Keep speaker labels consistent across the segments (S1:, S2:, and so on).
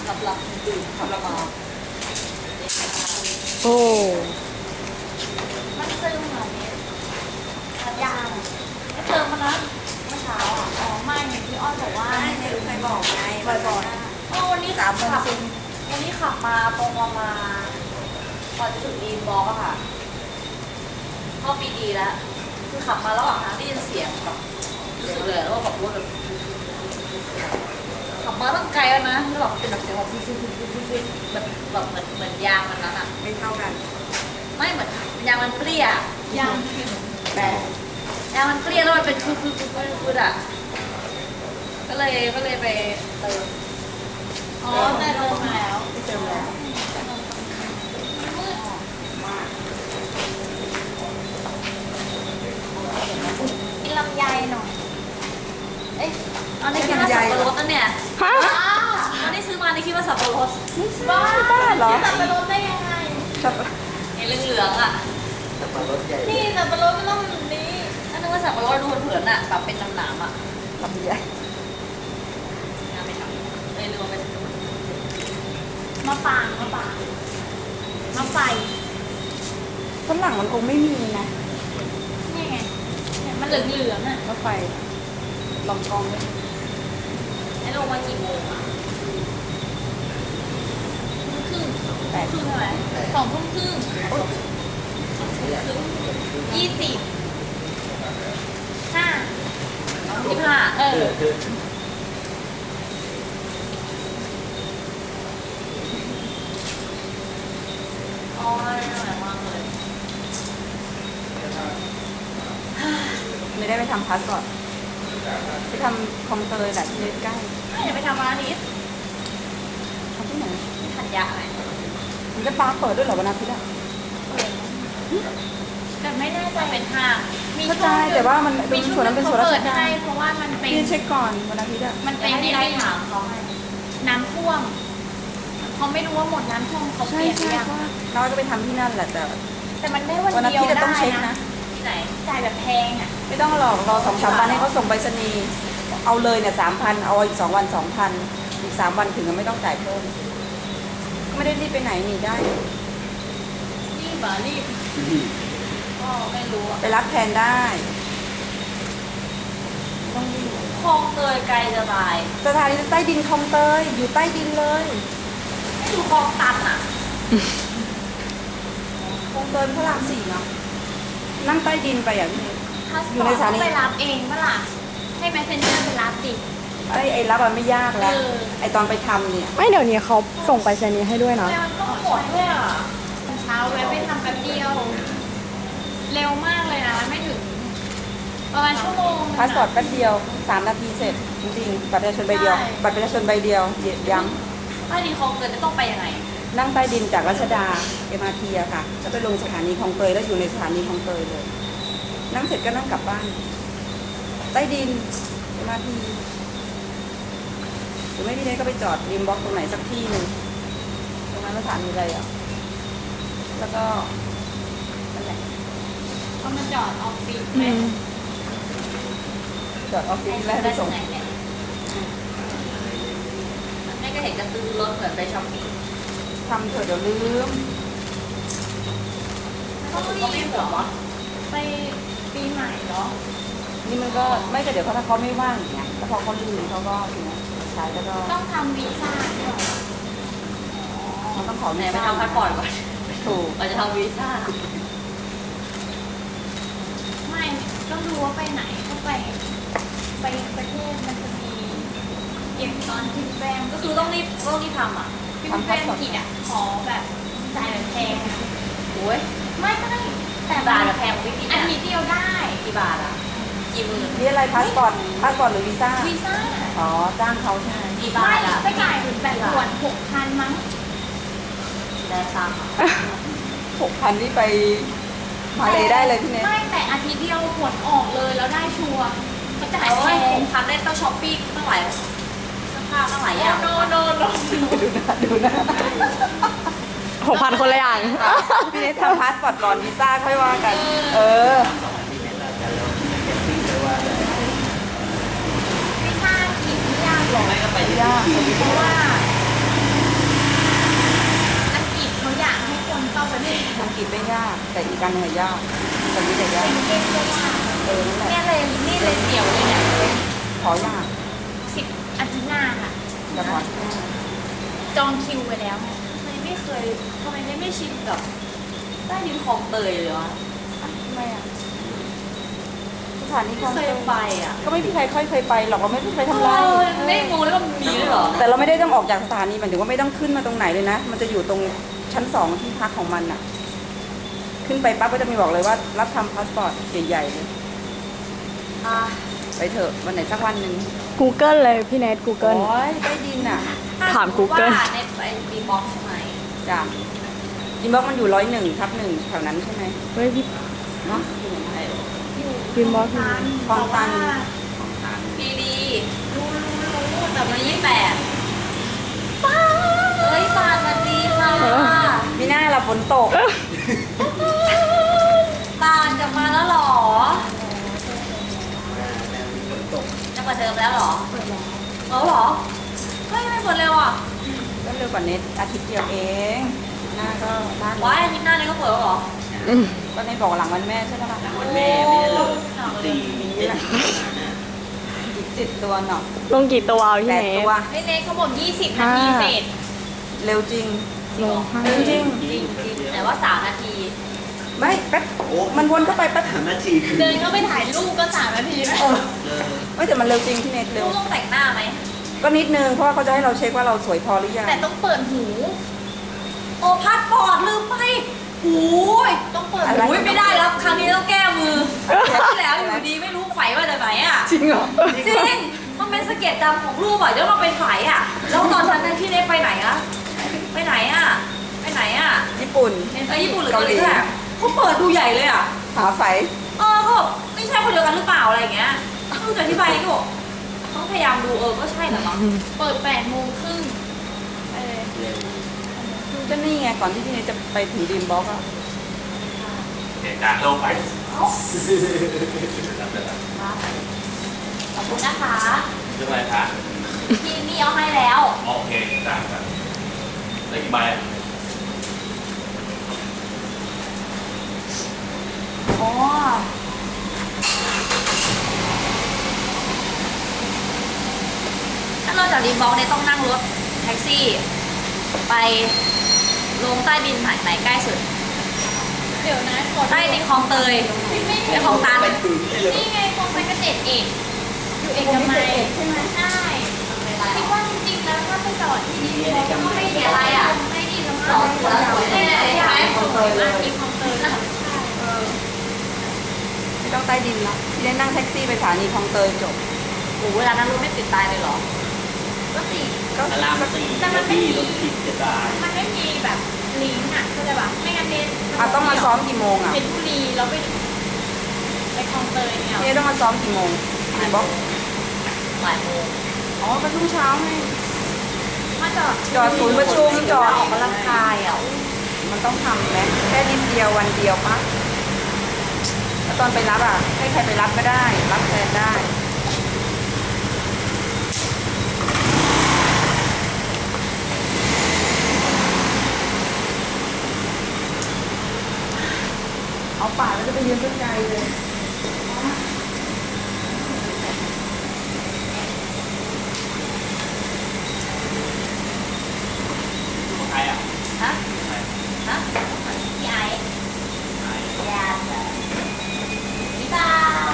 S1: หลับดื่มขับละมา
S2: โอ้
S1: มันซึมเหรอเนี่ยยางเติมมาแล้วเมื่อเช้าอ่ะอ๋อไม่เนี่ยพี่อ้อยบอกว่าไม่เคยบอกไงบ่อยๆวันนี้ขับวันนี้ขับมาตรงมาก่อนจะถึงดีนบอกอะค่ะเข้าปีดีแล้วคือขับมาระหว่างทางได้ยินเสียงแบบเลยแล้วก็แบบรถแบบขับมาตั้งไกลแล้วนะแล้วแบบเป็นแบบเสียงแบบฟิวแบบเหมือนยางมันนั้นอะ
S3: ไม่เท่ากัน
S1: ไม่เหมือนยางมันเปรี้ยยางแต่ยางมันเปรี้ยแล้วมันเป็นฟืดอะก็เลยไปเติมอ๋อแต่เติมมาแล้ว
S3: เติมแล้ว
S1: กินลำไยหน่อยเอ๊ะอันนี้คิดว่าสับปะรดนั่นเนี่ย
S2: ฮะ
S1: อันนี้ซื้อมาในคิดว่าสับปะรด
S2: บ้าเหรอ
S1: สับปะรดได้ยังไงไอ้เหลืองๆอ่ะ
S3: สับปะรดใหญ่
S1: นี่สับปะรดมันต้องแบบนี้อันนึกว่าสับปะรดดูเผินๆอ่ะแบบเป็นหนามๆอ่ะ
S2: ลำใหญ่
S1: ไม่ทำเลยลืมไปมะปางมะไฟ
S2: ฝรั่งมันคงไม่มีนะ
S1: นี่ไงมันเหลืองๆอ่ะ
S2: รถไฟลองกองเลย
S1: ไอ้ลงมากี่โมงอ่ะครึ่ง
S2: แปด
S1: ครึ่งเท่าไหร่2 ทุ่มครึ่ง20 5 25อ๋อเหนื่อยมากเลย
S2: ไม่ได้ไปทำพาสปอร์ตไปทำคลองเตยแหละที่ใกล้
S1: เดี๋ยวไปทำร้านนี้
S2: ทำที่ไหน
S1: ทันยะไหม
S2: มันจะปาเปิดด้วยเหรอวันอาทิตย์อะ
S1: แต่ไม่แน่ใจเป็นห้าง
S2: เข้าใจแต่ว่ามันเป็นส่วนนั้นเป็นส่วนราชการ
S1: เพราะว่ามันเป็น
S2: พี่เช็คก่อนวันอาทิตย์อะ
S1: มันเป็นได้ถามเขาน้ำท่วมเขาไม่รู้ว่าหมดน้ำท่วมเขาเปลี่ยนหรือยัง
S2: เราจะไปทำที่นั่นแหละ
S1: แต่มันได้วันเดียวได้นะที่ไหนจ่ายแบบแพงอ่ะ
S2: ไม่ต้องหรอกรอ2-3 วันให้เขาส่งไปรษณีย์เอาเลยเนี่ย3,000เอาอีก2 วัน 2,000อีก3 วันถึงก็ไม่ต้องจ่ายเพิ่มไม่ได้รีบไปไหนหนีได้
S1: รีบก็ไม่รู้
S2: ไปรับแทนได้ต้องรีบ
S1: คลองเตยไกลจะตาย
S2: สถานีใต้ดินคลองเตยอยู่ใต้ดินเลย
S1: ไม่ดูคลองตันอ่ะ
S2: คลองเตยพระราม 4เนาะนั่งใต้ดินไปอย่างนี้
S1: อยู่ในสถานีไปรับเองเมื่อไหร่ให้แมสเซนเจอร์ไปรับดิ
S2: ไอ้รับมันไม่ยากแล้วไอ้ตอนไปทำเนี่ย
S4: ไม่เดี๋ยวนี้เขาส่งไปเซนี้ให้ด้วยนะ
S1: มันต้องหมดด้วยอ่ะเช้าแวะไปทำแป๊บเดียวเร็วมากเลยนะไม่ถึงประมาณชั่วโมง
S2: พาสปอร์ตแป๊บเดียว3 นาทีเสร็จจริงๆบัตรประชาชนใบเดียวบัตรประชาชนใบเดียวย้
S1: ำใต้ดินคลองเตยจะต้องไปยังไง
S2: นั่งใต้ดินจากรัชดา MRT อะค่ะแล้วไปลงสถานีคลองเตยแล้วอยู่ในสถานีคลองเตยเลยนั่งเสร็จก็นั่งกลับบ้านใต้ดิน MRT หรือไม่พี่เนยก็ไปจอดริมบล็อกตรงไหนสักที่หนึ่งตรงนั้นสถานีอะไรอ่ะแล้วก็นั่นแหละ
S1: ก็มาจอดออฟฟิศไหม
S2: จอดออฟฟิศแล้วไปส่ง
S1: แม่ก็เห็นกระตือรถเหมือนไปช้อปปิ้ง
S2: ทำเถอะเดี๋ยวลืม
S1: เขาไม่เหรอไปปีใหม่เนาะ
S2: นี่มันก็ไม่แต่เดี๋ยวถ้าเขาไม่ว่างอย่างเงี้ยแล้วพอเขาลืมเขาก็อย่างเงี้ยใช้แล้วก็
S1: ต้องทำวีซ่าด้วย
S2: มันต้องขอ
S1: แม่ไปทำพาสปอร์ตก่อน
S2: ถูก
S1: เราจะทำวีซ่าไม่ต้องดูว่าไปไหนก็ไปประเทศมันจะมีเก็บตอนพิมพ์แปมก็คือต้องรีบทำอ่ะพิมพ์แปมผิดอ่ะขอแบบจ่ายแบบแพงโอ้ยไม่แต่บาทแพงไม่ผิดอันนี้เดียวได้กี่บาทอ่ะกี่หมื่น
S2: นี่อะไรพาสปอร์ตหรือวีซ่าอ๋อจ้างเขาใช่ไหม
S1: กี่บาทอ่ะไปจ่ายแบบด่วน6,000มั้งได้ตังค์
S2: 6,000นี่ไปมาเลยได้เลยพี่เนท
S1: ไม่แต่อาทิตย์เดียวผลออกเลยแล้วได้ชัวร์เขาจ่ายแพง6,000ได้ต้องช้อปปิ้งตั้งหลายเสื้อผ้าตั้งหลายอย่างโน
S2: ดูนะ
S4: 6,000 คนละอย่าง
S2: พี่เนททำพาสปอร์ตก่อนวีซ่าค่อยว่ากัน
S1: วีซ่าผิดไม่ยากหรอก
S2: ไม่ยาก
S1: เพราะว่า
S2: กันหน่อยยากแต่นี่แต่ยาก
S1: เก่งเลยอ่ะ
S2: นั่นแหละ
S1: เนี่ยเลยนี่เลยเดี่ยวเลยเนี่ย
S2: ขอยาก
S1: 10 อาทิตย์หน้าค่ะ
S2: แต่ขอที่หน้า
S1: จองคิวไปแล้วไง
S3: ทำไมไม่ชินกับใต้ดินคลองเตยเลยวะ
S2: ทำไมอ่ะสถานีคลอง
S3: เค
S2: เต
S3: ย
S2: ย
S3: ไปอ่ะ
S2: ก็ไม่มีใครค่อยเคยไปหรอกเราไม่เคยทำไร
S3: ไม่งงแล้วก็มีด้วยเหรอ
S2: แต่เราไม่ได้ต้องออกจากสถานีหมายถึงว่าไม่ต้องขึ้นมาตรงไหนเลยนะ มันจะอยู่ตรงชั้น2ที่พักของมันอ่ะ ขึ้นไปปั๊บก็จะมีบอกเลยว่ารับทำพาสปอร์ตใหญ่ๆเลย
S3: อ่ะ
S2: ไปเถอะวันไหนสักวันหนึ่ง
S4: Google เลยพี่เนท Google
S2: โอ้ยใต้ดินอ่ะ
S4: ถาม
S3: ถ้สติ
S4: Google
S3: ว่าในไปดีบ็อกใช่ไหม
S2: จ้ะอินบ็อกมันอยู่101/1แถวนั้นใช่ไหม
S4: เฮ้ยพี่
S2: เนาะ
S4: พิมพ์บอกพี่
S2: คลองตัน
S3: พีดีรู้แต่มัน28ป้าเฮ้ยปานสวัสดีค่ะ
S2: มีหน้าเราฝนตก
S3: ปานกลับมาแล้วเหรอจะเปิดเทอมแล้วเหรอเปิดแล้วเหรอเฮ้ยไม่เปิดเร็วอ่ะ
S2: ก็เร็วกว่าเน็ตอาทิตย์เดียวเอง หน้าก็บ้าน
S3: ว้ายอาทิตย์หน้านี้ก็เปิดแล้วเหรอ
S4: อืม
S2: ก็ในบอกหลังวันแม่ใช่ไหมล่ะ
S3: วันแม่ไม่ได้เลย
S2: นี่แหละอีก10 ตัวเนาะ
S4: ลงกี่ตัวพี่เน
S2: 8
S4: ท
S2: ตัว
S1: เล็กๆเขาบอก20 นาทีเสร็จ
S2: เร็วจริง
S4: ลงห้า
S2: เร็วจริง
S3: จริงแต่ว่า3 นาที
S2: ไม่แป๊บมันวนเข้าไปแป๊บ
S5: 3 นาทีคือ
S1: เดินเข้าไปถ่ายรูปก็3 นาทีแล้ว
S2: ไม่แต่มันเร็วจริงที่เน็ตเร็
S3: ลู
S2: ว
S3: กต้องแต่งหน้าไหม
S2: ก็นิดนึงเพราะว่าเขาจะให้เราเช็คว่าเราสวยพอหรือยัง
S1: แต่ต้องเปิดหู
S3: โอ้พัดปอดลืมไปโอ้ย
S1: ต้องเปิด
S2: อะไร
S1: หู
S3: โอ้ยไม่ได้แล้ว ครั้งนี้ต้องแก้มือครั้งที่แล้วอยู่ดีไม่รู้ไฟมาจากไหนอ่ะ
S2: จริงเหรอ
S3: จริง มันเป็นสะเก็ดดำของรูปอ่ะแล้วเราเป็นไฟอ่ะ แล้วตอนนั้นที่เน็ตไปไหนอะไปไหนอ่ะ ไปไหนอ่ะ
S2: ญี่ปุ่น
S3: ญี่ปุ่นหรือเกาหลีอะเขาเปิดดูใหญ่เลยอ่ะ
S2: หาไฟ
S3: เขาบอกไม่ใช่คนเดียวกันหรือเปล่าอะไรอย่างเงี้ยต้องจะอธิบายก็บอกต้องพยายามดูก็ใช่แหละมั้ง
S1: เปิด8 โมงครึ่ง
S2: ก็นี่ไงก่อนที่พี่เนทจะไปถึงดีมบ็อกอะ
S5: เหตุการณ์ลงไป
S3: ขอบคุณนะคะ
S5: เรื่องอะไรคะ
S3: พี่นี่เอาให้แล้ว
S5: โอเคจ้าครับได้กี่ใบอ่ะ
S3: อ๋อถ้าเราจากดีมบล็อกเนี่ยต้องนั่งรถแท็กซี่ ไปลงใต้ดินไหนใกล้สุด
S1: เดี๋ยวนะกด
S3: ใต้ดินคลองเตยไปคลองตัน
S1: นี่ไงคงไปเกษตรเอกอยู่เอกมัยใช่ไหมใช่คิดว่าจริงๆแล้วถ้าไปจอดที่นี่ก็ไม่ดีอะไรอ่ะไม่ดีแล้วมั้งไม่ได้ใช่ไหมคลองเตยมากที่คลองเตยนะ
S2: ไม่ต้องใต้ดินละพี่เนทนั่งแท็กซี่ไปสถานีคลองเตยจบ
S3: โอ้เวลานั้นรถไม่ติดตายเลยเหรอ
S1: ก็สิ
S2: ก็
S5: อารามสี่
S1: แต่มันไม่มี
S5: รถติดจะตาย
S1: มันไม่มีแบบลิงก์อ่ะเข้าใจปะไม่งั้นเนท
S2: ต้องมาซ้อมกี่โมงอะ
S1: เพชรบุรีแล้วไปคลองเตยเนี่ย
S2: พี่เนทต้องมาซ้อมกี่โมงดีมบ็อก
S3: บ่ายโมง
S2: อ๋อไปรุ่งเช้าไง
S1: มาจอด
S2: จอดศูนย์ประชุมจอด
S3: ออกกำลังกายอ่ะ
S2: มันต้องทำไหมแค่นิดเดียววันเดียวปะแล้วตอนไปรับอ่ะ ให้ใครไปรับก็ได้ รับแทนได้ เอาป่าแล้วจะไปยืนต้นไกลเลย
S5: ใครอ่ะ
S3: ฮะ ฮะพี่ไอ้ยาพี่ตา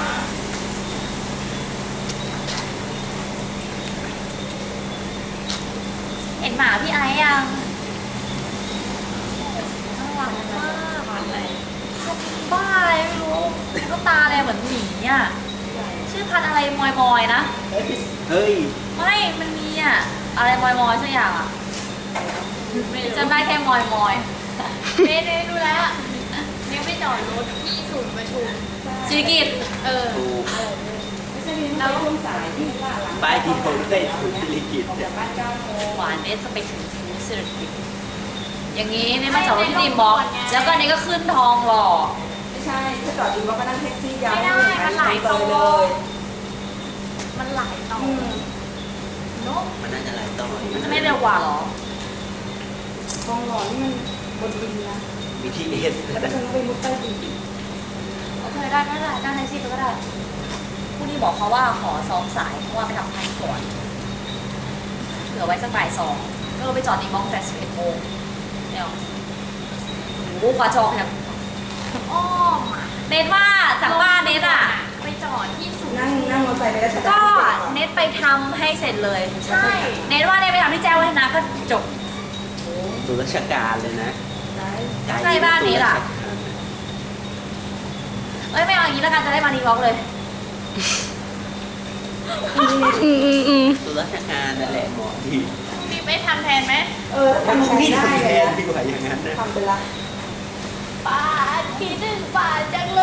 S3: เห็นหมาพี่ไอ้ยังน่ารักมากบ้าอะไรไม่รู้ก็ตาอะไรเหมือนหมีอ่ะ ชื่อพันธุ์อะไรมอยๆนะ
S5: เฮ้ย
S3: ไม่ มันมีอ่ะ อะไรมอยๆสักอย่างอ่ะจำได้แค่มอย
S1: เนทดูแล้วยังไม่จอดรถที่ศูนย์ประชุม
S3: ๆจิกิต
S1: เออ
S5: ถูก
S2: ไม่ใช่มีแล้วช่วงสายที่ว่าหลัง
S5: ป้ายที่ผมได้ถูกสิริกิต
S2: จากบ้าน9 โมง
S3: หวานเนสไปถึงสิริกิตอย่างนี้เนี่ยมาจอดรถที่ดีมบ็อกซ์แล้วก็นี่ก็ขึ้นทองหล่อ
S2: ไม่ใช่ถ้าจอดดีมบ็อกก็นั่งแท็กซี่ยาว
S1: ไม่ได้มันหลาย
S2: เต
S1: ต่อย
S2: เลย
S1: มันหลายต่อเนอะ
S5: มันน่าจะหลายต่อ
S3: มันจะไม่เร็วกว่าเหรอ
S2: ทองหล่อนี่มันบนดินนะ
S3: อ
S5: BTS
S2: แล้วก็ต้องไปมุดใต้ดิน
S3: โอเคได้ได้ได้ในซีก็ได้ผู้นี้บอกเขาว่าขอซ้อมสายเพราะว่าไปทำพันก่อนเหลือไว้สักบ่ายสองก็ไปจอดในมองแต่11 โมงเนี่ยโอ้โหกว่าจองเนี่ย
S1: อ้อมอ่ะ
S3: เน็ตว่าจากบ้านเน็ตอ่ะ
S1: ไปจอดที่ศูนย์
S2: นั่งมอเตอร์ไซค์ไปรัชดา
S3: ก็เน็ตไปทำให้เสร็จเลย
S1: ใช่
S3: เน็ตว่าเน็ตไปทำที่แจ้งวัฒนะก็จบ
S5: ตัวราชการเลยนะ
S3: ใกล้บ้านนี้ล่ะ เอ้ยไม่เอาอย่างนี้แล้วกันจะได้มาดีวอล์กเลย
S5: ตัวราชการนั่นแหละเหมาะดี
S1: มีไปทำแทนไหม
S2: ทำใช้
S5: พี่
S2: ได้
S5: ทำแท
S2: เลย
S5: นดีกว่าอย่างนั้นนะ
S2: ทำไปละ
S1: ป้าคิดถึงป้าจังเลย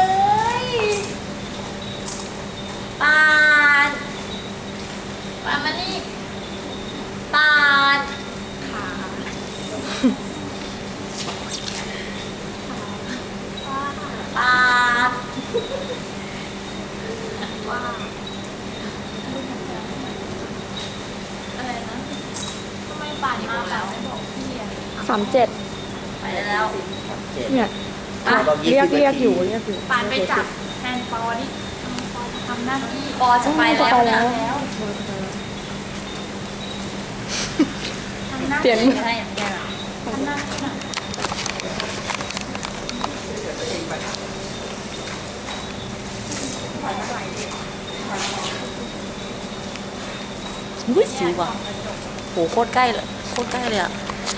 S3: ปาน
S1: ป้ามานี่
S3: ปานปาน
S1: อะไรนะทำไมป่านมาแบบไม่บอกพี่อ่ะ
S4: 37
S3: ไปแล้ว
S4: เนี่ยอ่ะเรียกอยู่
S1: ป่านไปจับแทนปอนี่ปอทำหน้าที่
S3: ปอจะไปแล้วนะ
S1: ทำหน้า
S4: เปลี่ยน
S3: ไม่ได้อย่างแกหรอ
S1: ทำหน้าที่หน่อย
S3: อุ้ยสิวว่ะโหโคตรใกล้เลยโคตรใกล้เลยอะ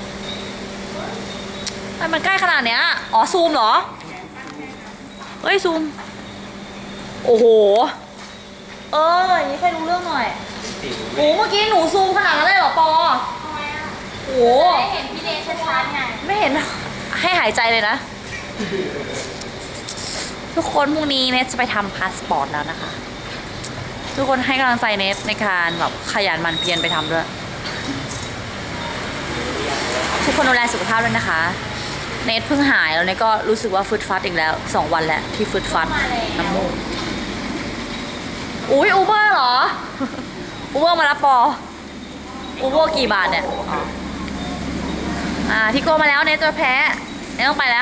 S3: ทำไมมันใกล้ขนาดเนี้ยอ๋อซูมเหรอเฮ้ยซูมโอ้โหอย่างนี้ใครรู้เรื่องหน่อยโอ้เมื่อกี้หนูซูมขนาดนั้นเลยเหรอปอ
S1: ทำไมอ่ะ
S3: โอ้
S1: ได้เห็นพี่เดชชัดๆไง
S3: ไม่เห็นให้หายใจเลยนะ ทุกคนพรุ่งนี้เนทจะไปทำพาสปอร์ตแล้วนะคะ ทุกคนให้กำลังใจเนทในการแบบขยันหมั่นเพียรไปทำด้วย ทุกคนดูแลสุขภาพด้วยนะคะ เนทเพิ่งหายแล้วเนทก็รู้สึกว่าฟึดฟัดอีกแล้ว2 วันแล้วที่ฟึดฟัดน้ำมูกอุ้ยอูเบอร์เหรอ อูเบอร์มารับปออูเบอร์กี่บาทเนี่ยพี่โกมาแล้วเนทจะแพ้เนทต้องไปแล้ว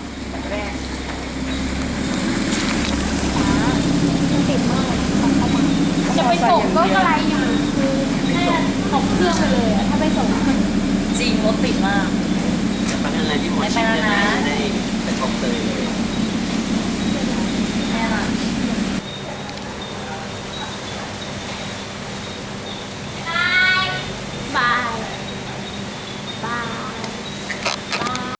S1: จะไปส่งก็อะไรอยู่คือให้ตกเครื่องไปเลยอะถ้าไปส่ง
S3: จริงรถติดมาก
S5: จะไปอะไรที่หมอชิดได้ไปกองเตยเลย